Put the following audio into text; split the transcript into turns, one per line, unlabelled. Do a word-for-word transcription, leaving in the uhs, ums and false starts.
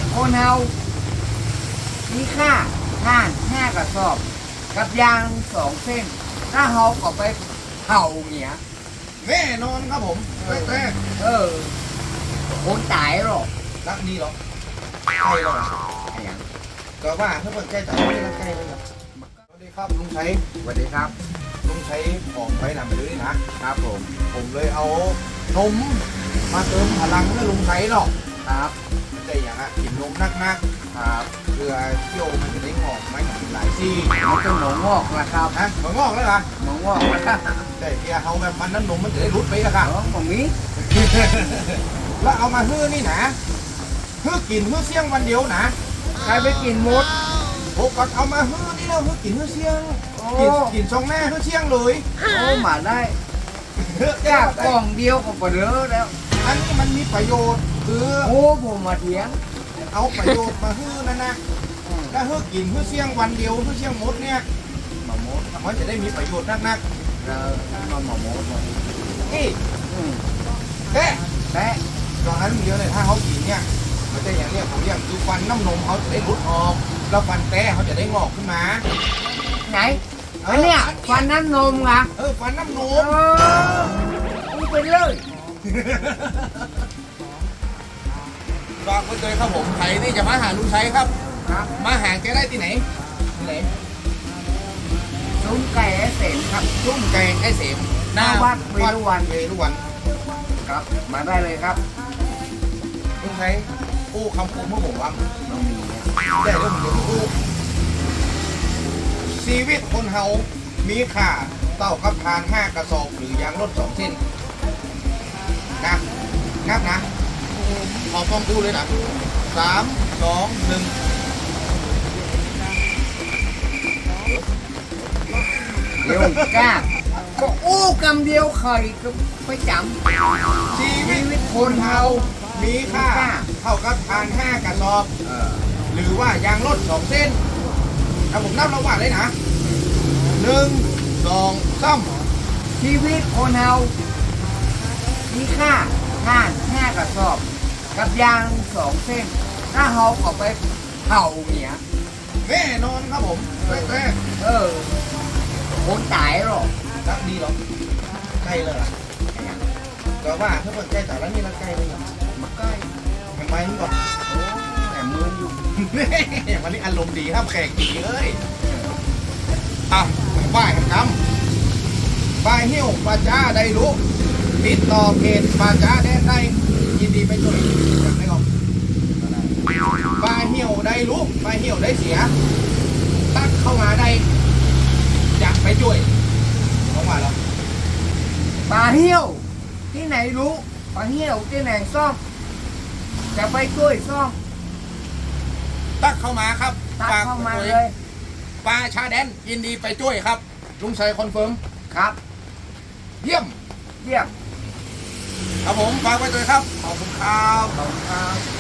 คนเฮามีค่าท่านห้ากระสอบกับยางสองเส้น ถ้าเฮาก็ไปเผาเงี้ย
แน่นอนครับผมแต่แต่
เออคนตายหรอก
รักดีหรอใช่หรอ
ไอ้หยัง
ก็ว่าถ้าเปิดใจแต่ไม่ได้รักใจเลยหรอสวัสดีครับลุงชัย
สวัสดีครับ
ลุงชัยของไปนำไปเลยนะครับ
ผม
ผมเลยเอานมมาเติมพลังให้ลุงชัยหรอก
ครับ
ไม่ใช่อย่างอ่ะกินนมนักๆ
ครับ
เพื่อเที่ยวมันจะได้งอกไหมหลายซี่
มันเป็นหนองงอกนะครับ
ฮะมันงอกแล้วล่ะ
หนองงอกนะครับ
แต่เพียเขาแบบมันน้ำนมมันจะได้รุดไปละค่ะ
น้องผมมี
แล้วเอามาฮื้อนี่นะฮื้อกินฮื้อเสี่ยงวันเดียวนะ
ใครไปกินมด
โอ้ก็เอามาฮื้อนี่แล้วฮื้อกินฮื้อเสี่ยง
โอ้
กินกินช่องแม่ฮื้อเสี่ยงเลย
โอ้มาได้จา
จาก
กกล่องเดียวก็เปลือแล้ว
อันนี้มันมีประโยชน์คือ
โอ้ผมมาเถียง
เอาประโยชน์มาฮื้อนั่นนะแล้วฮื้อกินฮื้อเสี่ยงวันเดียวฮื้อเสี่ยงมดเนี่ย
มามด
มันจะได้มีประโยชน์นัก
เรามามามดมา
ๆนี่
อืม
แค่
แต่
ตอนนั้นเดียวเลยถ้าเขากินเนี่ยมันจะอย่างเนี้ยผมอย่างคือฟันน้ำนมเขาจะได้รุดออกแล้วฟันแต้เขาจะได้งอกขึ้นมา
ไหนอันเนี้ยฟันน้ำนมอ่ะ
เออฟันน้ำน
โอ้
ม
มึงเป็นเลย
ฝากไว้เลยครับผมใครนี่จะมาหาลุงชัยครับ
ครับ
มาหาแกได้ที่ไหนที่ไหน
ซุ้มไก่ไอ้เสนครับ
ชุ่มแกงไอ้เสม
หน้าวัดเวรุวัน
เวรุวัน
ครับ มาได้เลยครับ
ลุงชัยกู้คำคมเมื่อผมว่า
น้องมีเนี่ย
ได้เรื่องเดียวกู้ชีวิตคนเฮามีค่าเต้ากับทานห้ากระสอบหรือยางรถสองเส้นนะนับนะขอต้องดูเลยนะสามสองหนึ่ง
เดี๋ยวกล้าก็อู้กำเดียวไข่ก็ไปจ
ชีวิตคนเฮามีค่า
มีค่า
เท่ากับทานห้ากระสอบ
ำเออ
หรือว่ายางรถสองเส้นถ้าผมนับระหว่างเลยนะหนึ่งสองสาม
ชีวิตคนเฮามีค่าท่านห้ากระสอบ กับยางสองเส้น ถ้าเฮาก็ไปเผาเงี้ย
แน่นอนครับผมแต่แต่
เออคนตายหรอก
รักดีหรอใกล้เลยล่ะ
ไอ้หยัง
ก็ว่าถ้าเปิดใจแต่ละนี่รักใกล้เลยเหรอ
มาใกล้
เห็นไหมมันก่อน
โอ้แต่มืออยู่
วันนี้อารมณ์ดีครับแขกดีเลยอ่ะป้ายคำป้ายหิ้วปลาจ้าได้รู้ติดต่อเพจปลาจ้าแดนได้ยินดีไปช่วยอยากได้ก่อนปลาเหี่ยวได้รู้ปลาเหี่ยวได้เสียตักเข้ามาได้อยากไปช่วยเขาว่าแล้ว
ปลาเหี้ยวที่ไหนรู้ปลาเหี้ยวที่ไหนซ่อม จะไปช่วยซ่อม
ตักเข้ามาครับ
ตักเข้ามา
ฝกไว้
เลย
ปลาชาแดนยินดีไปช่วยครับลุงชัยคอนเฟิร์ม
ครับ
เยี่ยม
เยี่ยม
ครับผมฝากไว้เลยครับขอบคุณครับ
ขอบคุณครับ